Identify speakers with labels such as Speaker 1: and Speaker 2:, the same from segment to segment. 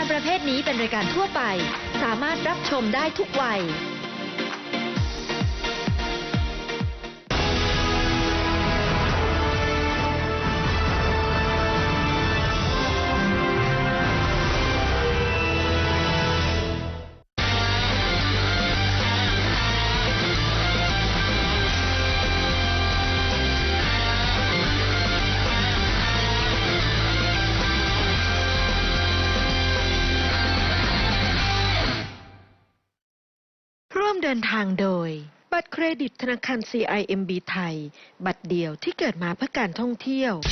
Speaker 1: การประเภทนี้เป็นรายการทั่วไปสามารถรับชมได้ทุกวัยร่วมเดินทางโดยบัตรเครดิตธนาคาร CIMB ไทยบัตรเดียวที่เกิดมาเพื่อการท่องเที่ยว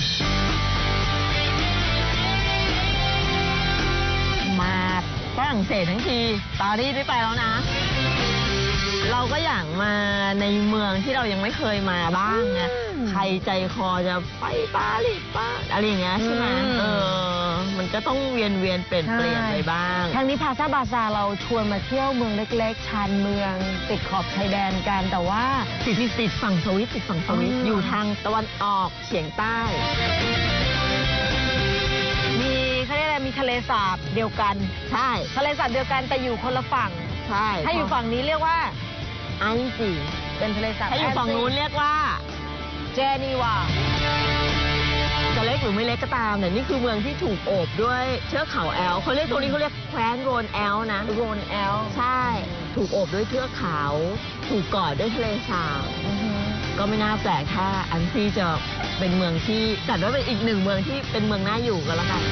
Speaker 2: มาฝรั่งเศสทั้งทีปารีสไม่ไปแล้วนะ เราก็อยากมาในเมืองที่เรายังไม่เคยมาบ้างไงใครใจคอจะไปปารีสบ้างอะไรอย่างเงี้ยใช่ไหมมันก็ต้องเวียนเปลี่ยนไปบ้าง
Speaker 3: ทางนี้พาซาบาซาเราชวนมาเที่ยวเมืองเล็กๆชานเมืองติดขอบชายแดนกันแต่ว่า
Speaker 2: ติดฝั่งสวิตอยู่ทางตะวันออกเฉียงใต้
Speaker 3: มีเขาเรียกอะไรมีทะเลสาบเดียวกัน
Speaker 2: ใช่
Speaker 3: ทะเลสาบเดียวกันแต่อยู่คนละฝั่ง
Speaker 2: ใช่
Speaker 3: ถ้าอยู่ฝั่งนี้เรียกว่า
Speaker 2: อันจี
Speaker 3: เป็นทะเลสาบ
Speaker 2: ถ้าอยู่ฝั่งนู้นเรียกว่า
Speaker 3: เจนีวา
Speaker 2: จะเล็กหรือไม่เล็กก็ตามแต่นี่คือเมืองที่ถูกโอบด้วยเทือกเขาแอลเขาเรียกตรงนี้เขาเรียกแคว้นโรนแอลนะ
Speaker 3: โรนแอล
Speaker 2: ใช่ถูกโอบด้วยเทือกเขาถูกกอดด้วยทะเลสาบก็ไม่น่าแปลกถ้าอันซีจะเป็นเมืองที่จัดว่าเป็นอีกหนึ่งเมืองที่เป็นเมืองน่าอยู่กันแล้วกัน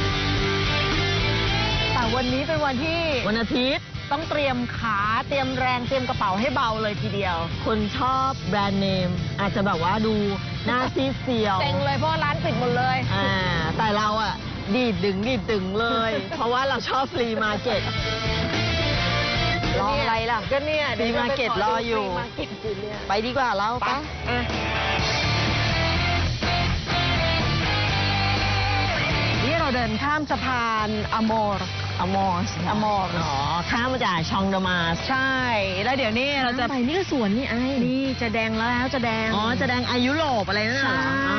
Speaker 3: แต่วันนี้เป็นวันที่
Speaker 2: วันอาทิตย์
Speaker 3: ต้องเตรียมขาเตรียมแรงเตรียมกระเป๋าให้เบาเลยทีเดียว
Speaker 2: คนชอบแบรนด์เนมอาจจะแบบว่าดูหน้าซีเซียว
Speaker 3: เต็งเลยเพราะร้านปิดหมดเลย
Speaker 2: แต่เราอะดีดดึงเลย เพราะว่าเราชอบฟรีมาร์เก็ต
Speaker 3: รออะไรล่ะก็เนี่ย
Speaker 2: ฟรีมาร์เก็ตรออยู่ไปดีกว่าเราไป
Speaker 3: นี่เราเดินข้ามสะพานอโมร์
Speaker 2: ข้ามมาจากชองเดมาส
Speaker 3: ใช่แล้วเดี๋ยวนี้เราจะ
Speaker 2: ไปนี่ก็สวนนี่
Speaker 3: นี่จะแดงแล้วจะแดง
Speaker 2: จะแดงยุโรปอะไรนั่นเหรอ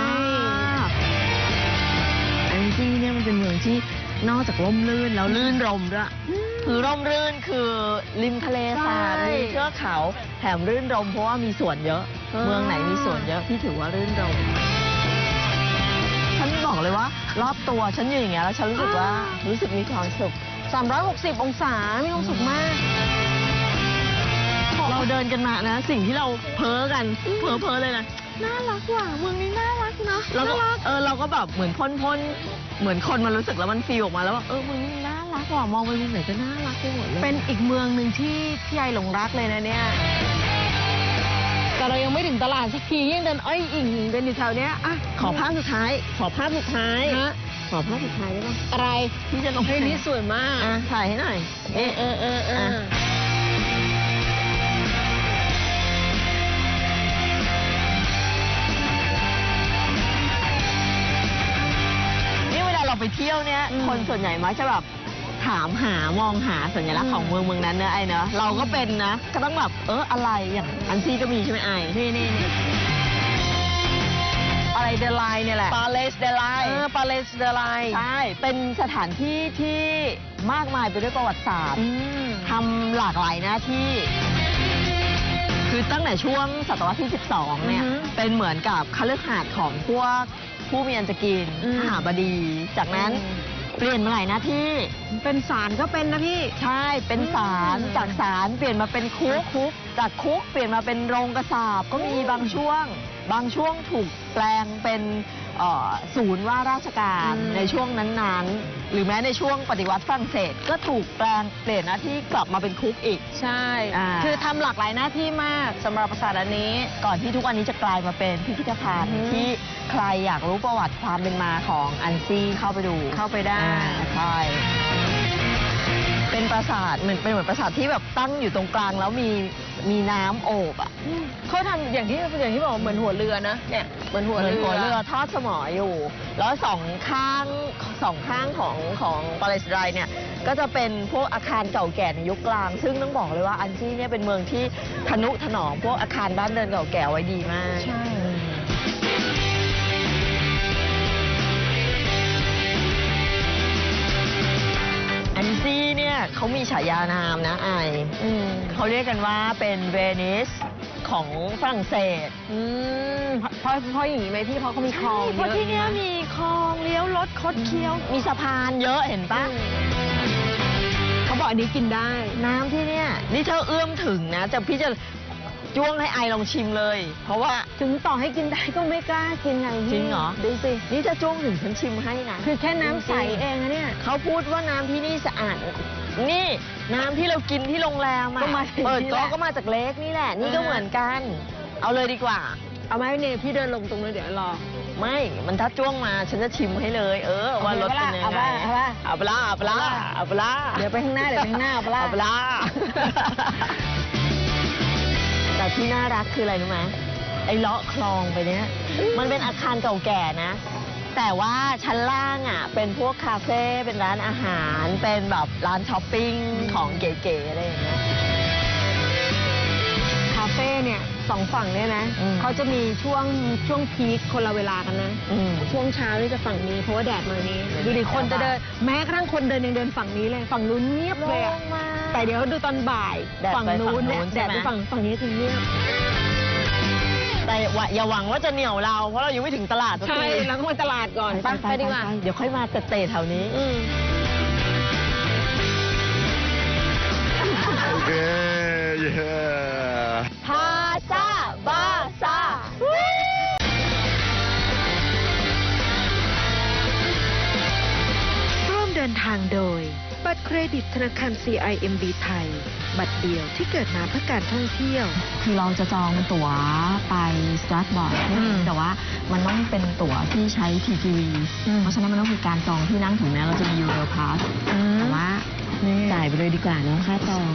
Speaker 2: อันที่เนี่ยมันเป็นเมืองที่นอกจากร่มรื่นแล้วลื่นรมด้วยคือร่มรื่นคือริมทะเลสาบมีเทือกเขาแถมรื่นรมเพราะว่ามีสวนเยอะเมืองไหนมีสวนเยอะพี่ถือว่ารื่นรมฉันบอกเลยว่ารอบตัวฉันอยู่อย่างเงี้ยแล้วฉันรู้สึกมีความสุข
Speaker 3: 360 องศามีความสุขมาก
Speaker 2: เราเดินกันมานะสิ่งที่เราเพ้อกันเพ้อเลยนะน่ารักว่ะเมืองนี้น่ารักนะเราก็แบบเหมือนพ่นเหมือนคนมันรู้สึกแล้วมันฟีลออกมาแล้วว่าเมืองนี้น่ารักว่ะมองไปมุมไหนก็น่ารักไปหมดเลย
Speaker 3: เป็นอีกเมืองหนึ่งที่พี่ไอหลงรักเลยนะเนี่ยแต่เรายังไม่ถึงตลาดสักทียังเดินอ้อยอิงเดินอยู่แถวเนี้ย
Speaker 2: ขอภาพสุดท้ายขอภาพสุดท้ายได้ไหม
Speaker 3: อะไร
Speaker 2: ที่จะลง
Speaker 3: เพลงนี้สวยมาก
Speaker 2: ถ่ายให้หน่อยนี่เวลาเราไปเที่ยวเนี่ยคนส่วนใหญ่มักจะแบบถามมองหาสัญลักษณ์ของเมืองนั้นเนอะไอ้เนอะเราก็เป็นนะก็ต้องแบบอะไรอย่างอันซี่ก็มีใช่ไหมไอ้นี่
Speaker 3: อะไรเดลายเนี่ยแหละ
Speaker 2: ปาเลสเดลายใช่เป็นสถานที่ที่มากมายไปด้วยประวัติศาสตร์ทำหลากหลายหน้าที่คือตั้งแต่ช่วงศตวรรษที่12เนี่ยเป็นเหมือนกับคฤหาสน์ของพวกผู้มีอันจะกินมหาบดีจากนั้นเปลี่ยนมาหลายหน้าที่
Speaker 3: เป็นศาลก็เป็นนะพี่
Speaker 2: ใช่เป็นศาลจากศาลเปลี่ยนมาเป็นคุกจากคุกเปลี่ยนมาเป็นโรงกษาปก็มีบางช่วงถูกแปลงเป็นศูนย์ว่าราชการในช่วงนั้นๆหรือแม้ในช่วงปฏิวัติฝรั่งเศสก็ถูกเปลี่ยนหน้าที่กลับมาเป็นคุกอีก
Speaker 3: ใช่คือทำหลากหลายหน้าที่มากสำหรับปราสาทอันนี้
Speaker 2: ก่อนที่ทุกวันนี้จะกลายมาเป็นพิพิธภัณฑ์ที่ใครอยากรู้ประวัติความเป็นมาของอันซี่เข้าไปได้ใช่เป็นปราสาทเหมือนปราสาทที่แบบตั้งอยู่ตรงกลางแล้วมีน้ำโอบ
Speaker 3: เขาทำอย่างที่บอกเหมือนหัวเรือนะเนี่ยเหมือนหัวเ
Speaker 2: รือทอดสมออยู่แล้วสองข้างของปาเลสไตน์เนี่ยก็จะเป็นพวกอาคารเก่าแก่ในยุคกลางซึ่งต้องบอกเลยว่าอันซี่เนี่ยเป็นเมืองที่ทนุถนอมพวกอาคารบ้านเรือนเก่าแก่ไว้ดีมาก
Speaker 3: ใช่
Speaker 2: อันซี่เขามีฉายานามนะเขาเรียกกันว่าเป็นเวนิสของฝรั่งเศส
Speaker 3: เพราะอย่างนี้ไหมพี่เพราะเขามีคลอง
Speaker 2: เพราะที่เนี้ยมีคลองเลี้ยวรถคดเคี้ยวมีสะพานเยอะเห็นปะ
Speaker 3: เขาบอกอันนี้กินได้
Speaker 2: น้ำที่เนี่ยนี่ถ้าเอื้อมถึงนะพี่จะจ้วงให้ไอลองชิมเลย เพราะว่า
Speaker 3: ถึงต่อให้กินได้ก็ไม่กล้ากินไงพี่
Speaker 2: จริงเหรอดูสินี่จะจ้วงถึงฉันชิมให้นะ
Speaker 3: คือแค่น้ำใสเองนะเนี่ย
Speaker 2: เขาพูดว่าน้ำที่นี่สะอาดนี่น้ำที่เรากินที่โรงแรมอะ
Speaker 3: ก็มาจาก
Speaker 2: เปิด
Speaker 3: นี่
Speaker 2: ก๊
Speaker 3: แห
Speaker 2: อก
Speaker 3: ละ
Speaker 2: ก็มาจากเลกนี่แหละ นี่ก็เหมือนกัน เอาเลยดีกว่า
Speaker 3: เอาไหมเนี่ยพี่เดินลงตรงนู้นเดี๋ยวรอ
Speaker 2: ไม่มันถ้าจ้วงมาฉันจะชิมให้เลย ว่ารสเป็นยังไง
Speaker 3: เอาปะ
Speaker 2: เอาปลาเอาปลาเอาปลา
Speaker 3: เดี๋ยวไปข้างหน้าเดี๋ยวไปข้างหน้าเอาปะล่ะ
Speaker 2: เอาปลา แต่ที่น่ารักคืออะไรรู้ไหมไอ้เลาะคลองไปเนี้ยมันเป็นอาคารเก่าแก่นะ แต่ว่าชั้นล่างอ่ะเป็นพวกคาเฟ่เป็นร้านอาหารเป็นแบบร้านช้อปปิ้งของเก๋ๆอะไรอย่างเงี้ย
Speaker 3: คาเฟ่เนี่ยสองฝั่งเนี่ยนะ เขาจะมีช่วงพีคคนละเวลากันนะ ช่วงเช้านี่จะฝั่งนี้เพราะว่าแดดมานี้ดูดิคนจะเดินแม้กระทั่งคนเดินยังเดินฝั่งนี้เลยฝั่งนู้นเงียบเลยอะแต่เดี๋ยวดูตอนบ่าย
Speaker 2: แดดไป
Speaker 3: ฝั่งนู้นเนี่ย
Speaker 2: ฝั่งนู้น
Speaker 3: แดด
Speaker 2: ใช่ไหม
Speaker 3: ไปฝั่งนี้จะเงียบ
Speaker 2: แต่อย่าหวังว่าจะเหนี่ยวเราเพราะเรายังไม่ถึงตลาดสัก
Speaker 3: ใช่
Speaker 2: ที
Speaker 3: แล้วก็มาตลาดก่อนไปดีกว่า
Speaker 2: เดี๋ยวค่อยมาเตะแถวนี้
Speaker 4: Okay, yeah.
Speaker 2: พาซาบาซา
Speaker 1: ร่วมเดินทางโดย บัตรเครดิตธนาคาร CIMB ไทย บัตรเดียวที่เกิดมาเพื่อการท่องเที่ยว
Speaker 2: คือเราจะจองตั๋วไปสตรัสบอร์ดแต่ว่ามันต้องเป็นตั๋วที่ใช้ TGV เพราะฉะนั้นมันต้องมีการจองที่นั่งถึงแม้เราจะมี Euro Pass แต่ว่าจ่ายไปเลยดีกว่าเนอะค่าจอง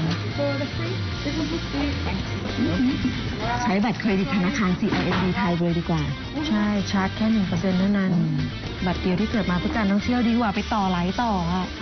Speaker 2: ใช้บัตรเครดิตธนาคาร CIMB ไทยเลยดีกว่า
Speaker 3: ใช่ชาร์จแค่1%เท่านั้น บัตรเดียวที่เกิดมาเพื่อการท่องเที่ยวดีกว่าไปต่อหลายต่ออ่ะ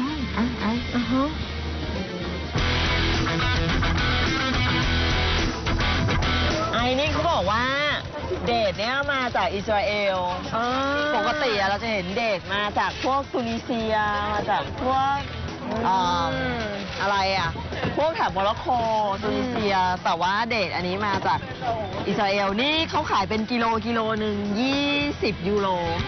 Speaker 2: ไอ้นี่เขาบอกว่าเดทเนี่ยมาจากอิสราเอลปกติอะเราจะเห็นเดทมาจากพวกตุนิเซียมาจากพวกอะไรอะพวกแถบโมร็อกโกตุนิเซีย แต่ว่าเดทอันนี้มาจากอิสราเอลนี่เขาขายเป็นกิโลหนึ่ง20 ยูโร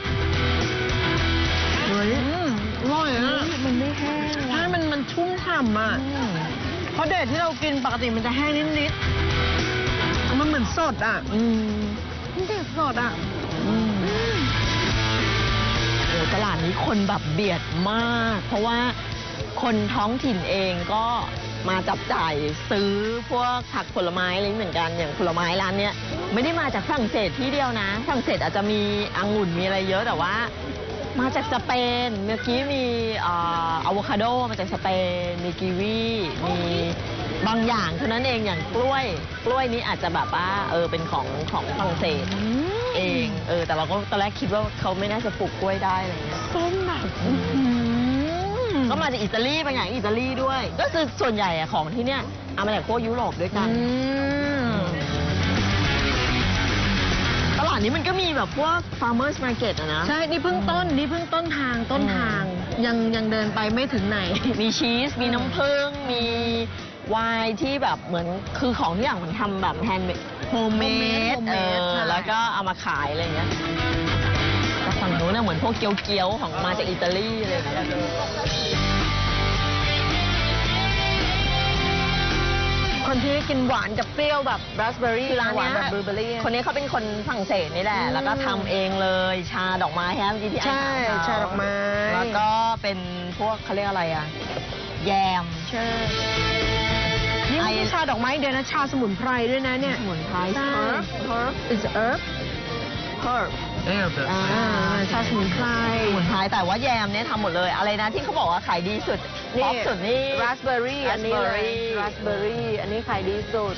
Speaker 3: เฮ้ยอร่อยอ่ะมันไม่แห้งใช่มันชุ่มฉ่ำอ่ะ เพราะเดทที่เรากินปกติมันจะแห้งนิดๆมันเหมือนสดอ่ะมันเดทสดอ่ะ
Speaker 2: โอ้ตลาดนี้คนแบบเบียดมาก เพราะว่าคนท้องถิ่นเองก็มาจับจ่ายซื้อพวกผักผลไม้อะไรเหมือนกันอย่างผลไม้ร้านเนี้ยไม่ได้มาจากฝรั่งเศสที่เดียวนะฝรั่งเศสอาจจะมีองุ่นมีอะไรเยอะแต่ว่ามาจากสเปนเมื่อกี้มีอะโวคาโดมาจากสเปนมีกีวีมีบางอย่างเท่านั้นเองอย่างกล้วยนี้อาจจะแบบว่าเป็นของฝรั่งเศสเองแต่เราก็ตอนแรกคิดว่าเขาไม่น่าจะปลูกกล้วยได้อะไรเงี้ย
Speaker 3: ส้มแบบ
Speaker 2: ก็มาจากอิตาลีบางอย่างอิตาลีด้วย ก็คือส่วนใหญ่อะของที่เนี่ยเอามาจากพวกยุโรปด้วยกันตลาดนี้มันก็มีแบบพวก farmers market อะนะ
Speaker 3: ใช่นี่เพิ่งต้นทางยังเดินไปไม่ถึงไหน
Speaker 2: มีชีสมีน้ำผึ้งมีไวน์ที่แบบเหมือนคือของทุกอย่างมันทำแบบแฮนด์เมดโฮมเมด
Speaker 3: homemade ใช่
Speaker 2: แล้วก็เอามาขายอะไรอย่างเงี้ยแต่ฝั่งนู้นน่ะเหมือนพวกเกี๊ยวๆของมาจากอิตาลีอะไรอย่างเงี้ย
Speaker 3: คนที่กินหวานกับเปรี้ยวแบบราสเบอร์รี่
Speaker 2: คือร้าน
Speaker 3: หวาน
Speaker 2: เนี้ย
Speaker 3: แบบบลูเบอร์รี่
Speaker 2: คนนี้เขาเป็นคนฝรั่งเศสนี่แหละ แล้วก็ทำเองเลย ชาดอกไม้แฮมที่พี่ไอ้
Speaker 3: ใช่
Speaker 2: ถาม
Speaker 3: ชาดอกไม้
Speaker 2: แล้วก็เป็นพวกเขาเรียกอะไรอะแยม
Speaker 3: ใช่นี่ไม่ใช่ชาดอกไม้เดียวนะชาสมุนไพรด้วยนะเนี่ย
Speaker 2: สมุนไพร
Speaker 3: ใช่
Speaker 2: herb
Speaker 3: it's herb
Speaker 2: herb
Speaker 4: Damn, that's
Speaker 3: ชาสมุนไพร
Speaker 2: สมุนไพรแต่ว่าแยมเนี่ยทำหมดเลย อะไรนะที่เขาบอกว่าขายดีสุดท็อปสุดนี่
Speaker 3: ราสเบอร์รี่อันนี้เลย
Speaker 2: raspberry
Speaker 3: ราสเบอร์รี่อันนี้ขายดีสุด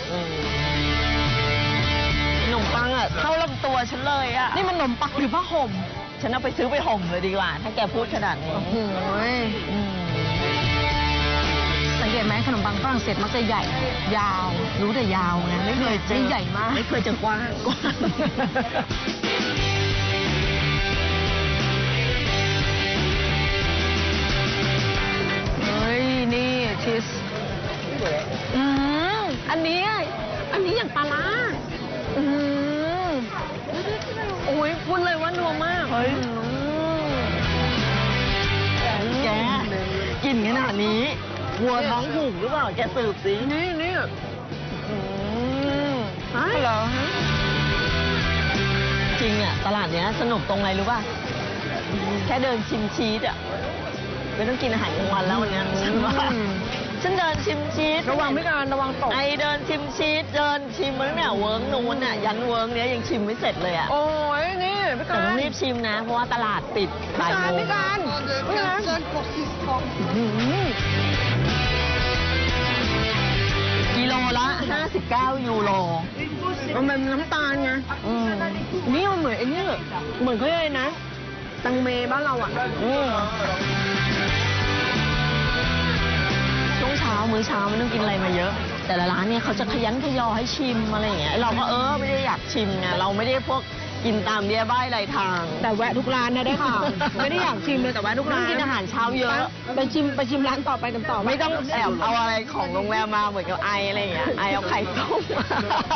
Speaker 2: ขนมปังอะเข้าลำตัวฉันเลยอะ
Speaker 3: นี่มันขนมปังหรือผ้าห่ม
Speaker 2: ฉันเอาไปซื้อไปห่มเลยดีกว่า ถ้าแกพูดขนาดนี้
Speaker 3: โอ้โห
Speaker 2: อืม
Speaker 3: สังเกตไหมขนมปังฝรั่งเศสมักจะใหญ่ยาว รู้แต่ยาวไงไม่เคยเจอใหญ่มาก
Speaker 2: ไม่เคยเจอกว้าง
Speaker 3: เฮ้ยนี่ชีนนี้อย่างปลาร้าอื้อหือโอ้ยพูดเลยว่านัวมาก
Speaker 2: เฮ้ย แกกินขนาดนี้วัวท้องผูกหรือเปล่า แกสืบสิ
Speaker 3: นี่เหรอฮะ
Speaker 2: จริงอ่ะตลาดเนี้ยสนุกตรงไหนรู้ป่ะ แค่เดินชิมชีสอ่ะไม่ต้องกินอาหารกลางวันแล้ววันเนี้ยฉันว่าฉันเดินชิมชีส
Speaker 3: ระวังพี่การระวังตก
Speaker 2: ไอเดินชิมชีสเดินชิมมาตั้งแต่เวิร์กนู้นอ่ะยันเวิร์กเนี้ยยังชิมไม่เสร็จเลยอ่ะ
Speaker 3: โอ้ยนี่พี่
Speaker 2: แต่
Speaker 3: การ
Speaker 2: ต้องรีบชิมนะ เพราะว่าตลาดปิดบ่ายโมง
Speaker 3: พี่การ
Speaker 2: กิโลละ 59 ยูโร
Speaker 3: มันเป็นน้ำตาลไง นี่มันเหมือนไอ้นี่เหมือนเขาเรียกอะไรนะ ตังเมบ้านเราอ่ะ
Speaker 2: ช่วงเช้ามื้อเช้าไม่ต้องกินอะไรมาเยอะ แต่ละร้านเนี่ยเขาจะขยันขยอให้ชิมอะไรอย่างเงี้ยเราก็ไม่ได้อยากชิมไงเราไม่ได้พวกกินตามเบี้ยบ้ายไรทาง
Speaker 3: แต่แวะทุกร้านนะได้ค่ะ ไม่ได้อยากชิมเลยแต่แวะทุกร้าน
Speaker 2: กินอาหารเช้าเยอะ
Speaker 3: ไปชิมร้านต่อไปกันต่อ
Speaker 2: ไม่ต้องแอบเอาอะไรของโรงแรมมาเหมือนกับไออะไรอย่างเงี้ยไอเอาไข่ต้มมา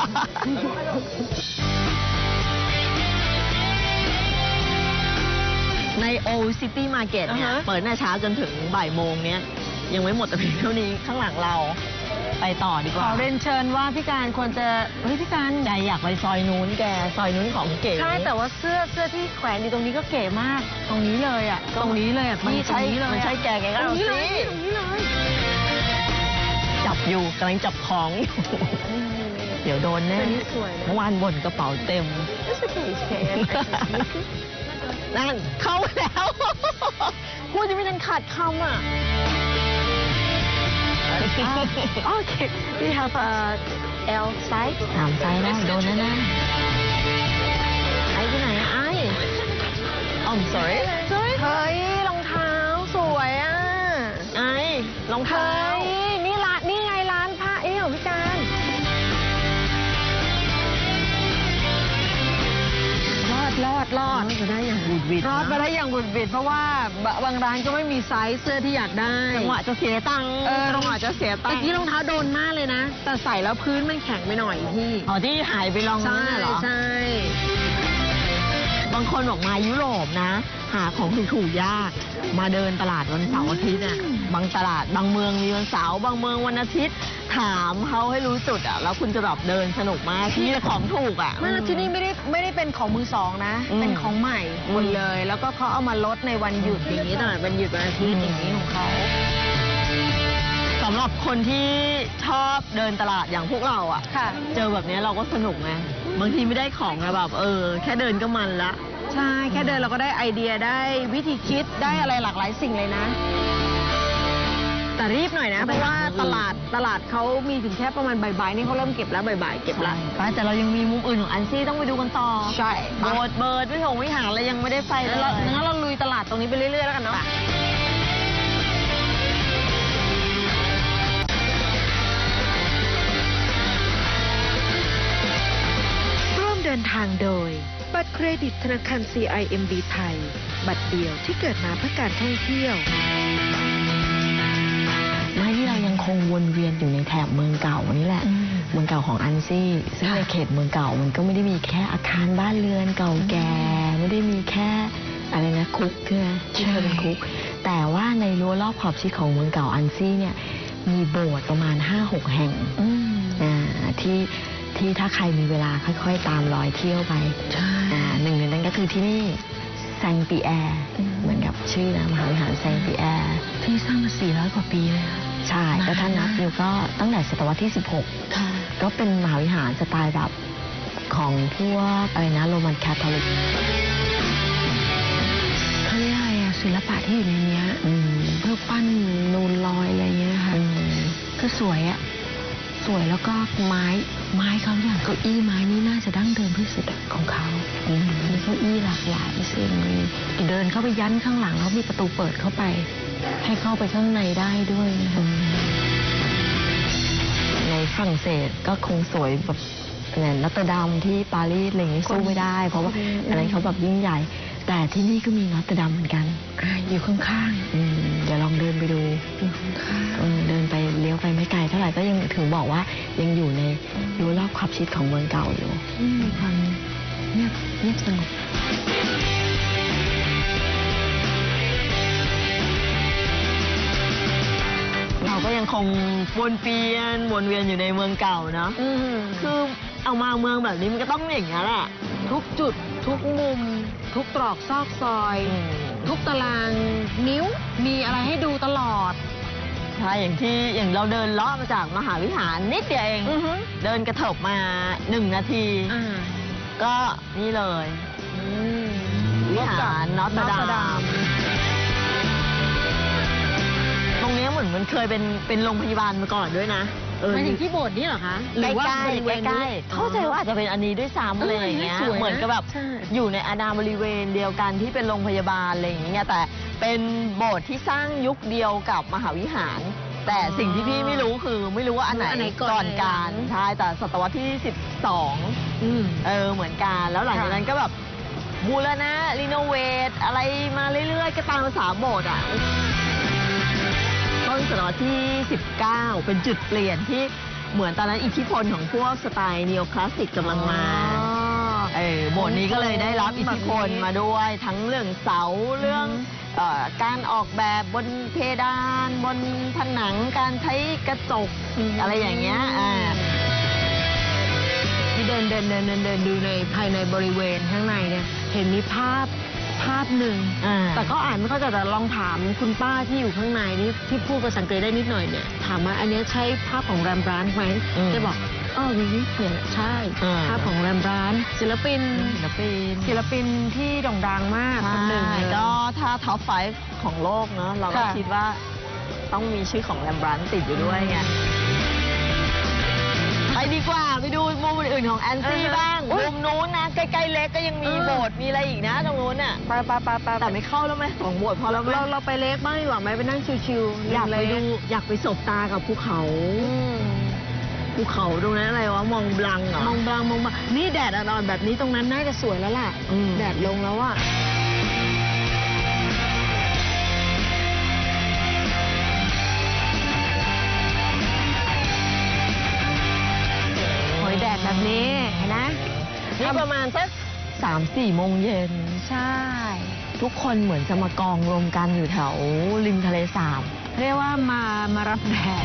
Speaker 2: ใน Old City Market เนี่ยเปิดหน้าเช้าจนถึงบ่ายโมงเนี้ยยังไม่หมดแต่เพียงเท่านี้ข้างหลังเราไปต่อดีก
Speaker 3: ข
Speaker 2: ว่า
Speaker 3: อเรียนเชิญว่าพี่การควรจะเฮ้ยพี่การ
Speaker 2: ใจอยากไปซอยนู้นแกซอยนู้นของเก๋
Speaker 3: ใช่แต่ว่าเสื้อที่แขวนอยู่ตรงนี้ก็เก๋มาก ตรงนี้เลยอ่ะตรงนี้เลยอ่ะ
Speaker 2: มัน
Speaker 3: พี่ตร
Speaker 2: ใช่
Speaker 3: งนี้เลย
Speaker 2: มันใช่แกก็
Speaker 3: ตร
Speaker 2: เอา
Speaker 3: งนี้เลย
Speaker 2: สิ
Speaker 3: ตรงนี้เลย
Speaker 2: จับอยู่กำลังจับของอยู่ เดี๋ยวโดนแน่
Speaker 3: อันนี้สวยนะ
Speaker 2: เมื่อวานบ่นกระเป๋าเต็ม นั่นเข้าแล้ว พูดจะไม่ทันขาดคำอ่ะ
Speaker 3: Okay, we have a L size.
Speaker 2: ถามไซส์ได้โดนแน่ๆไอ้ที่ไหนอะไอ้sorry
Speaker 3: เฮ้ยรองเท้าสวยอ่ะ
Speaker 2: ไอ้รองเท้า
Speaker 3: เฮ้ยนี่ไงร้านผ้าของพี่การรอด
Speaker 2: จะได้อย่างบุดวิด
Speaker 3: รอดมาได้อย่างบุดบิดเพราะว่าบางร้านก็ไม่มีไซส์เสื้อที่อยากได้
Speaker 2: จังหวะจะเสียตังค์
Speaker 3: จังหวะจะเสียตังค์เมื่อกี้รองเท้าโดนมากเลยนะ แต่ใส่แล้วพื้นมันแข็งไปหน่อยพี่
Speaker 2: อ๋อที่หายไปลองนั่นน่ะเหรอ
Speaker 3: ใช่
Speaker 2: บางคนบอกมายุโรปนะ หาของถูกๆยาก มาเดินตลาดวันเสาร์อาทิตย์น่ะบางตลาดบางเมืองมีวันเสาร์บางเมืองวันอาทิตย์ ถามเขาให้รู้จุดอ่ะแล้วคุณจะแบบเดินสนุกมากที่แต่ของถูกอ่ะ
Speaker 3: ไม่แล้วที่นี่ไม่ได้เป็นของมือสองนะ
Speaker 2: อืม
Speaker 3: เป็นของใหม่หมดเลย แล้วก็เขาเอามาลดในวันหยุดอย่างนี้ตลาดวันหยุดวันอาทิตย์อย่างนี้ของเขา
Speaker 2: สำหรับคนที่ชอบเดินตลาดอย่างพวกเราอ่ะ
Speaker 3: ค่ะ
Speaker 2: เจอแบบนี้เราก็สนุกไงบางทีไม่ได้ของอะแบบแค่เดินก็มันละ
Speaker 3: ใช่แค่เดินเราก็ได้ไอเดียได้วิธีคิดได้อะไรหลากหลายสิ่งเลยนะ แต่รีบหน่อยนะ เพราะว่าตลาดเขามีถึงแค่ประมาณบ่ายๆนี่เขาเริ่มเก็บแล้วบ่ายๆเก็บแล้ว
Speaker 2: ใช่แต่เรายังมีมุมอื่นของอันซี่ต้องไปดูกันต่อ
Speaker 3: ใช่
Speaker 2: โบสถ์เบิร์ดวิหารอะไรยังไม่ได้ไปเลย
Speaker 3: งั้นเราลุยตลาดตรงนี้ไปเรื่อยๆแล้วกันเนาะ
Speaker 1: ร่วมเดินทางโดย บัตรเครดิตธนาคาร CIMB ไทย บัตรเดียวที่เกิดมาเพื่อการท่องเที่ยว
Speaker 2: ไม่ที่เรายังคงวนเวียนอยู่ในแถบเมืองเก่านี่แหละ เมืองเก่าของอันซี่ซึ่งในเขตเมืองเก่ามันก็ไม่ได้มีแค่อาคารบ้านเรือนเก่าแก่ไม่ได้มีแค่อะไรนะคุกใช่ไหมที่เคยเป็นคุก แต่ว่าในรั้วรอบขอบชิดของเมืองเก่าอันซี่เนี่ยมีโบสถ์ประมาณ 5-6 แห่งที่ถ้าใครมีเวลาค่อยๆตามรอยเที่ยวไปหนึ่งในนั้นก็คือที่นี่แซงปีแอร์เหมือนกับชื่อนะมหาวิหารแซงปีแอร์ที่สร้างมา400 กว่าปีเลยใช่ก็ถ้านับอยู่ก็ตั้งแต่ศตวรรษที่ 16ก็เป็นมหาวิหารสไตล์แบบของพวกอะไรนะโรมันคาทอลิกเขาเรียกอะไรอะศิลปะที่อยู่ในเนี้ยเพื่อปั้นนูนลอยอะไรเงี้ยค่ะก็สวยอะสวยแล้วก็ไม้เขาอย่างเก้าอี้ไม้นี่น่าจะดั้งเดิมที่สุดของเขามีเก้าอี้หลากหลายสิ่งมีเดินเข้าไปยันข้างหลังแล้วมีประตูเปิดเข้าไปให้เข้าไปข้างในได้ด้วยนะคะในฝรั่งเศสก็คงสวยแบบนอตเตอร์ดัมที่ปารีสอะไรอย่างนี้สู้ไม่ได้เพราะว่าอันนั้นเขาแบบยิ่งใหญ่แต่ที่นี่ก็มีนอตเตอร์ดัมเหมือนกันอยู่ข้างๆเดี๋ยวลองเดินไปดูอยู่ข้างๆเดินไปเลี้ยวไปไม่ไกลเท่าไหร่ก็ยังถึงบอกบอกว่ายังอยู่ในรั้วรอบขอบชิดของเมืองเก่าอยู่มีความเงียบสงบเราก็ยังคงวนเวียนอยู่ในเมืองเก่าเนาะคือเอามาเมืองแบบนี้มันก็ต้องอย่างนี้แหละ
Speaker 3: ทุกจุดทุกมุม ทุกตรอกซอกซอย ทุกตารางนิ้วมีอะไรให้ดูตลอด
Speaker 2: ใช่อย่างเราเดินเลาะมาจากมหาวิหารนิดเดียวเองเดินกระเถิบมา1 นาทีก็นี่เลยวิหารนอตเตอร์ดามตรงนี้เหมือนมันเคยเป็นโรงพยาบาลมาก่อนด้วยนะ
Speaker 3: หมายถึงที่โบสถ์นี่เหรอคะ
Speaker 2: ใกล้ๆเข้าใจว่าอาจจะเป็นอันนี้ด้วยซ้ำอะไรอย่างเงี้ยเหมือนกับแบบอยู่ในอาณาบริเวณเดียวกันที่เป็นโรงพยาบาลอะไรอย่างเงี้ยแต่เป็นโบสถ์ที่สร้างยุคเดียวกับมหาวิหารแต่สิ่งที่พี่ไม่รู้คือไม่รู้ว่าอันไหนก่อนกันใช่แต่ศตวรรษที่12เหมือนกันแล้วหลังจากนั้นก็แบบบูรณะรีโนเวทอะไรมาเรื่อยๆก็ตามภาษาโบสถ์อ่ะต้นศตวรรษที่19เป็นจุดเปลี่ยนที่เหมือนตอนนั้นอิทธิพลของพวกสไตล์นีโอคลาสสิกกำลังมาโบสถ์นี้ก็เลยได้รับอิทธิพลมาด้วยทั้งเรื่องเสาเรื่องการออกแบบบนเพดานบนผนังการใช้กระจกอะไรอย่างเงี้ย
Speaker 3: ที่เดินดูในภายในบริเวณข้างในเนี่ยเห็นมีภาพหนึ่งแต่ก็อ่านไม่เข้าใจแต่ลองถามคุณป้าที่อยู่ข้างในนี่ที่พูดภาษาอังกฤษได้นิดหน่อยเนี่ยถามว่าอันนี้ใช่ภาพของแรมบรานต์ไหมจะบอกวิวิเนี่ยใช่ภาพของแรมบรานต์ศิลปินที่โด่งดังมากคนหนึ่ง
Speaker 2: ก็ถ้าท็อป 5 ของโลกเนาะเราก็คิดว่าต้องมีชื่อของแรมบรานต์ติดอยู่ด้วยไงไปดีกว่าไปดูมุมอื่นๆของแอนซี่บ้างมุมนู้นนะใกล้ๆเล็กก็ยังมีโบสถ์มีอะไรอีกนะตรงนู้นน่ะไปแต่ไม่เข้าแล้วไหม2 โบสถ์พอแล้วไหม
Speaker 3: เราไปเล็กบ้างดีกว่าไหมไปนั่งชิวๆ
Speaker 2: อยากไปสบตากับภูเขาตรงนั้นอะไรวะมองบลังเหรอ
Speaker 3: มองบลังนี่แดดอ่อนๆแบบนี้ตรงนั้นน่าจะสวยแล้วล่ะแดดลงแล้วอ่ะแดดแบบนี้เห็นไหม
Speaker 2: นี่ประมาณสัก3-4 โมงเย็น
Speaker 3: ใช่
Speaker 2: ทุกคนเหมือนจะมากองรวมกันอยู่แถวริมทะเลสาบ
Speaker 3: เรียกว่ามารับแดด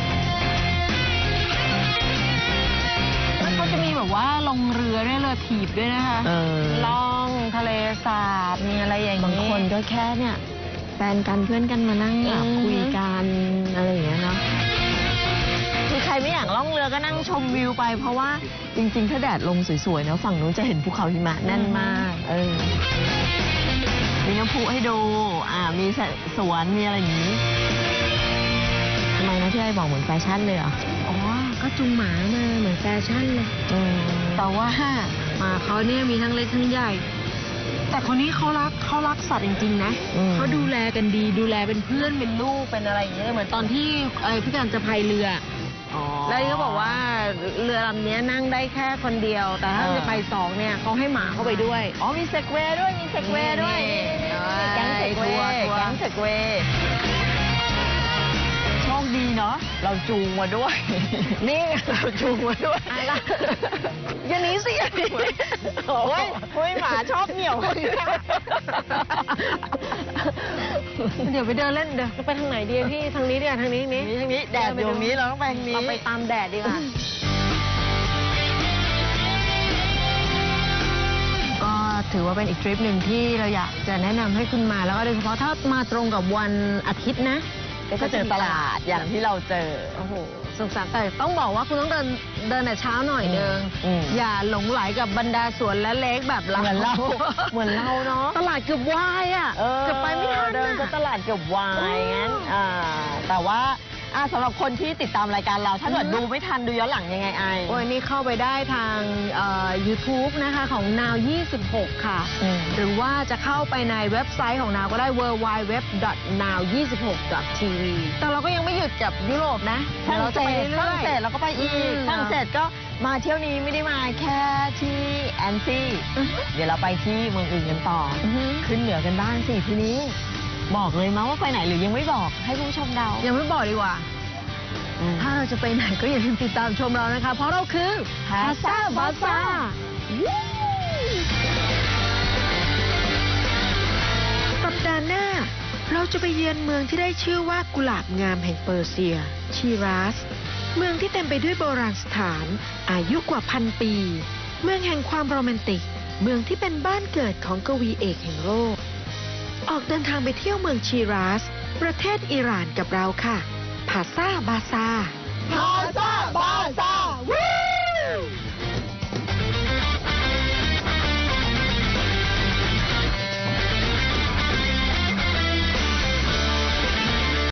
Speaker 3: แล้วก็จะมีแบบว่าลงเรือด้วยเรือถีบด้วยนะคะล่องทะเลสาบมีอะไรอย่างนี้
Speaker 2: บางคนก็แค่เนี่ยแฟนกันเพื่อนกันมานั่งคุยกันอะไรอย่างเงี้ยเนาะใครไม่อยากล่องเรือก็นั่งชมวิวไปเพราะว่าจริงๆถ้าแดดลงสวยๆเนาะฝั่งนู้นจะเห็นภูเขาหิมะแน่นมากมีน้ำพุให้ดูมีสวนมีอะไรอย่างนี้ทำไมนะที่ไอ้บอกเหมือนแฟชั่นเลยเหรอ
Speaker 3: ก็จูงหมามาเหมือนแฟชั่นเลยแต่ว่าหมาเขาเนี่ยมีทั้งเล็กทั้งใหญ่แต่คนนี้เขารักสัตว์จริงๆนะเขาดูแลกันดีดูแลเป็นเพื่อนเป็นลูกเป็นอะไรอย่างเงี้ยเหมือนตอนที่พี่การจะพายเรือแล้วนี่เขาบอกว่าเรือลำนี้นั่งได้แค่คนเดียวแต่ถ้าจะไป2เนี่ยเขาให้หมาเข้าไปด้วย
Speaker 2: มีเซกเวย์ด้วยแก๊งเซกเวย์โชคดีเนาะเราจูงมาด้วย
Speaker 3: นี่
Speaker 2: เราจูงมาด้วย
Speaker 3: อย่าหนีสิ
Speaker 2: โอ้ยหมาชอบเหนี่ยว
Speaker 3: เดี๋ยวไปเดินเล่นเดี๋ยวไปทางไหนดีพี่ทางนี้ดีกว่าทางนี้
Speaker 2: แดดอยู่ตรงนี้เราต้องไปทางนี้
Speaker 3: เราไปตามแดดดีกว่าก็ถือว่าเป็นอีกทริปหนึ่งที่เราอยากจะแนะนำให้คุณมาแล้วก็โดยเฉพาะถ้ามาตรงกับวันอาทิตย์นะ
Speaker 2: ก็เจอตลาดอย่างที่เราเจอ
Speaker 3: สุขสันต์แต่ต้องบอกว่าคุณต้องเดินแต่เช้าหน่อยนึงอย่าหลงไหลกับบรรดาสวนและเล็กแบบเรา
Speaker 2: เหมือนเราเนาะ
Speaker 3: ตลาดเกือบวายเกือบไปไม่ทัน
Speaker 2: เดินก็ตลาดเกือบวายงั้นแต่ว่าสำหรับคนที่ติดตามรายการเราถ้าเกิดดูไม่ทันดูย้อนหลังยังไง
Speaker 3: นี่เข้าไปได้ทางYouTube นะคะของ Now 26ค่ะหรือว่าจะเข้าไปในเว็บไซต์ของ Now ก็ได้ www.now26.tv แต่เราก็ยังไม่หยุดกับยุโรปนะ
Speaker 2: เราจะไปเรื่อยๆเราก็ไปอีกฝรั่งเศสก็มาเที่ยวนี้ไม่ได้มาแค่ที่แอนซี่เดี๋ยวเราไปที่เมืองอื่นกันต่อขึ้นเหนือกันบ้างสิทีนี้บอกเลยมั้ยว่าไปไหนหรือยังไม่บอกให้ผู้ชมเดา
Speaker 3: ยังไม่บอกดีกว่าถ้าเราจะไปไหนก็อย่าลืมติดตามชมเรานะคะ เพราะเราคือ
Speaker 2: Pasta Bazaar
Speaker 1: สัปดาห์หน้า เราจะไปเยือนเมืองที่ได้ชื่อว่ากุหลาบงามแห่งเปอร์เซีย ชีรัส เมืองที่เต็มไปด้วยโบราณสถาน อายุกว่า1,000 ปี เมืองแห่งความโรแมนติก เมืองที่เป็นบ้านเกิดของกวีเอกแห่งโลก ออกเดินทางไปเที่ยวเมืองชีรัส ประเทศอิหร่านกับเราค่ะ พาซาบาซา
Speaker 2: พาซา